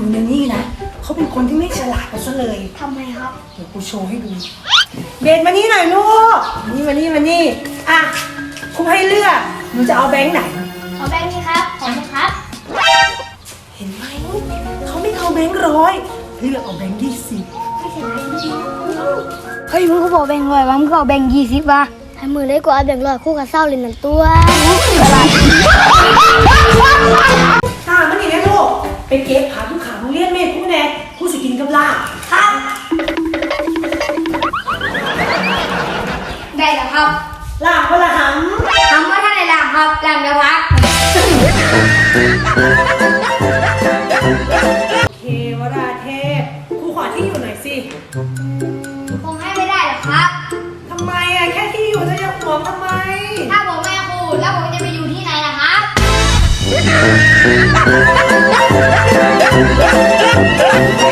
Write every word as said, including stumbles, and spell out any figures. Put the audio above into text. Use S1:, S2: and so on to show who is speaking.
S1: ดูในนี่นะเขาเป็นคนที่ไม่ฉลาดเอาซะเลย
S2: ทำไมครับ
S1: เดี๋ยวกูโชว์ให้ดูเบนมานี่หน่อยลูกนี่มานี่มานี่อ่ะครูให้เลือกหนูจะเอาแบงค์ไหน
S2: ขอแบงค์นี้ครับขอบคุณครับ
S1: เห็นไหมเขาไม่เอาแบงค์ร้อยเลือกเอาแบงค์ยี่สิบ
S2: ไม่เสียดายจริงๆเฮ้ยมึงก็บอกแบงค์ร้อยวะมึงก็เอาแบงค์ยี่สิบวะให้มือได้กว่าเอาแบงค์ร้อยคู่กับเศร้าเลยหนึ่งตัว
S1: ตามันนี่นะลูกไปเก็บผักทุกขาโรงเรียนเมฆผู้แน่ผู้สิกินกับลาบครับ
S2: ได้แล้วครับ
S1: ลาบคนละห
S2: ทำว่าท่านในลามครับลามเดี๋ยวพัก
S1: ำเทวราเทพครูขอที่อยู่หน่อยสิ
S2: คงให้ไม่ได้หรอกครับ
S1: ทำไมอ่ะแค่ที่อยู่จะจะห่วงทำไม
S2: ถ้าผมไม่ครูแล้วผมจะไปอยู่ที่ไหนล่ะครับ